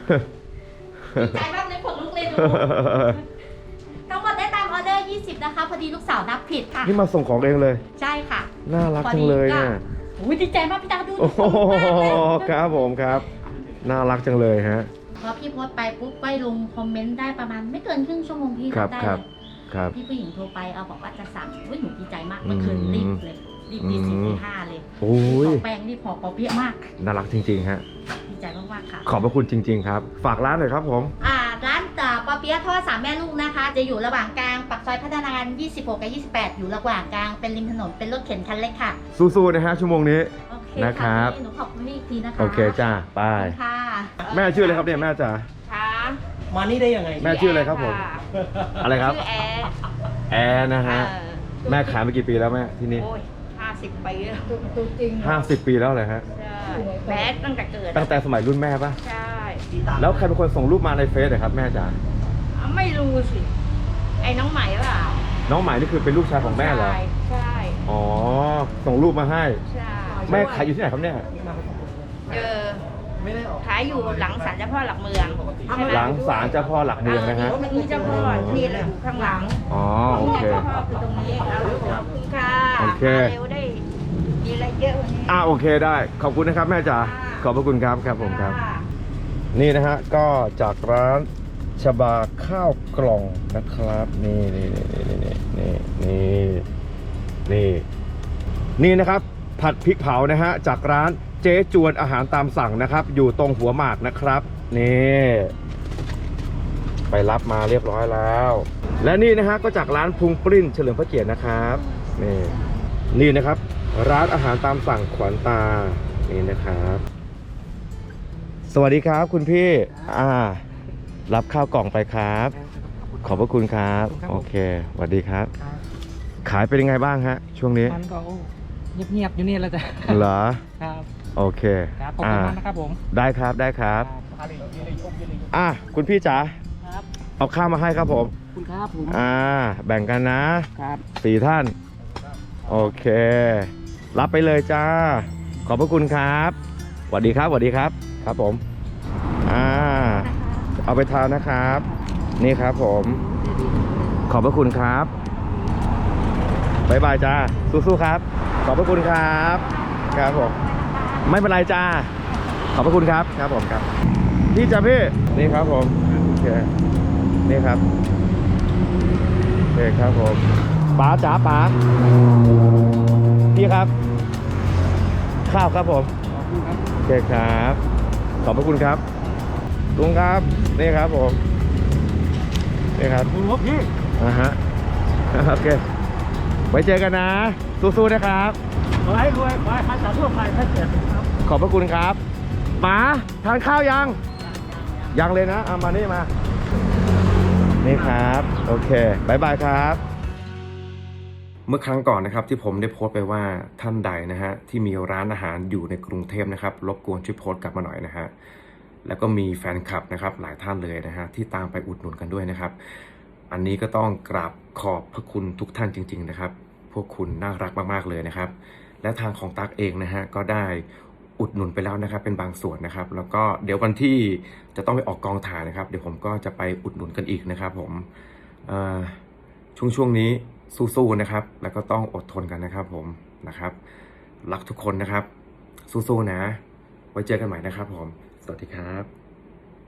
ดีใจมากเลยขนลุกเลยดูทั้งหมดได้ตามออเดอร์20นะคะพอดีลูกสาวนับผิดค่ะนี่มาส่งของเองเลยใช่ค่ะน่ารักจังเลยเนี่ยอุ้ยดีใจมากพี่ดาวดูโอ้โหครับผมครับน่ารักจังเลยฮะพอพี่โพสต์ไปปุ๊บก็ลงคอมเมนต์ได้ประมาณไม่เกินครึ่งชั่วโมงพี่ได้ครับพี่ผู้หญิงโทรไปเอาบอกว่าจะสั่งหนูดีใจมากเมื่อคืนรีบเลยรีบตีสี่ตีห้าเลยโอ้ยแป้งนี่พอเปี้ยมากน่ารักจริงๆฮะดีใจมากๆค่ะขอบพระคุณจริงๆครับฝากร้านหน่อยครับผมร้านปอเปี๊ยะทอด3แม่ลูกนะคะจะอยู่ระหว่างกลางปากซอยพัฒนาการ26กับ28อยู่ระหว่างกลางเป็นริมถนนเป็นรถเข็นคันเล็กค่ะสู้ๆนะฮะชั่วโมงนี้โอเคนะครับหนูขอบคุณอีกทีนะคะโอเคจ้าไปค่ะแม่ชื่ออะไรครับเนี่ยแม่จ๋าค่ะมานี่ได้ยังไงแม่ชื่ออะไรครับผมอะไรครับชื่อแอร์นะฮะแม่ขายมากี่ปีแล้วแม่ที่นี่โอ้ย50 ปีแล้ว 50 ปีแล้วเลยฮะใช่แม้ตั้งแต่เกิดตั้งแต่สมัยรุ่นแม่ปะใช่แล้วใครเป็นคนส่งรูปมาในเฟซครับแม่จ๋าไม่รู้สิไอ้น้องใหม่เปล่าน้องใหม่นี่คือเป็นลูกชายของแม่เหรอใช่อ๋อส่งรูปมาให้ใช่แม่ขายอยู่ที่ไหนครับเนี่ยขายอยู่หลังศาลเจ้าพ่อหลักเมืองหลังศาลเจ้าพ่อหลักเมืองนะฮะนี่เจ้าพ่อนี่แหละอยู่ข้างหลังอ๋อโอเคเจ้าพ่อคือตรงนี้ขอบคุณค่ะโอเคเร็วได้มีอะไรเยอะวันนี้โอเคได้ขอบคุณนะครับแม่จ๋าขอบพระคุณครับครับผมครับนี่นะฮะก็จากร้านชบาข้าวกล่องนะครับนี่นี่นะครับผัดพริกเผานะฮะจากร้านเจ๊จวนอาหารตามสั่งนะครับอยู่ตรงหัวหมากนะครับนี่ไปรับมาเรียบร้อยแล้วและนี่นะฮะก็จากร้านพุงปริ้นเฉลิมพระเกียรตินะครับนี่นะครับร้านอาหารตามสั่งขวัญตานี่นะครับสวัสดีครับคุณพี่รับข้าวกล่องไปครับขอบพระคุณครับโอเคสวัสดีครับขายเป็นยังไงบ้างฮะช่วงนี้มันก็เงียบๆอยู่นี่แล้วจ้ะเหรอครับโอเคครับขอบคุณมากนะครับผมได้ครับคุณพี่จ๋าเอาข้าวมาให้ครับผมคุณครับผมแบ่งกันนะครับ4 ท่านโอเครับไปเลยจ้าขอบพระคุณครับสวัสดีครับครับผมเอาไปทานนะครับนี่ครับผมขอบพระคุณครับบ๊ายบายจ้าสู้ๆครับขอบพระคุณครับครับผมไม่เป็นไรจ้าขอบพระคุณครับครับผมครับพี่จ้าพี่นี่ครับผมโอเคนี่ครับโอเคครับผมป๋าจ๋าป๋าพี่ครับข้าวครับผมโอเคครับขอบพระคุณครับลุงครับนี่ครับผมนี่ครับพี่ฮะโอเคไว้เจอกันนะสู้ๆนะครับขอให้รวยขอให้พันธุ์ทั่วไปให้เกิดครับขอบพระคุณครับป๋าทานข้าวยังเลยนะมานี่มานี่ครับโอเคบายบายครับเมื่อครั้งก่อนนะครับที่ผมได้โพสต์ไปว่าท่านใดนะฮะที่มีร้านอาหารอยู่ในกรุงเทพนะครับรบกวนช่วยโพสต์กลับมาหน่อยนะฮะแล้วก็มีแฟนคลับนะครับหลายท่านเลยนะฮะที่ตามไปอุดหนุนกันด้วยนะครับอันนี้ก็ต้องกราบขอบพระคุณทุกท่านจริงๆนะครับพวกคุณน่ารักมากๆเลยนะครับและทางของตั๊กเองนะฮะก็ได้อุดหนุนไปแล้วนะครับเป็นบางส่วนนะครับแล้วก็เดี๋ยววันที่จะต้องไปออกกองถ่ายนะครับเดี๋ยวผมก็จะไปอุดหนุนกันอีกนะครับผมช่วงนี้สู้ๆนะครับแล้วก็ต้องอดทนกันนะครับผมนะครับรักทุกคนนะครับสู้ๆนะไว้เจอกันใหม่นะครับผมสวัสดีครับ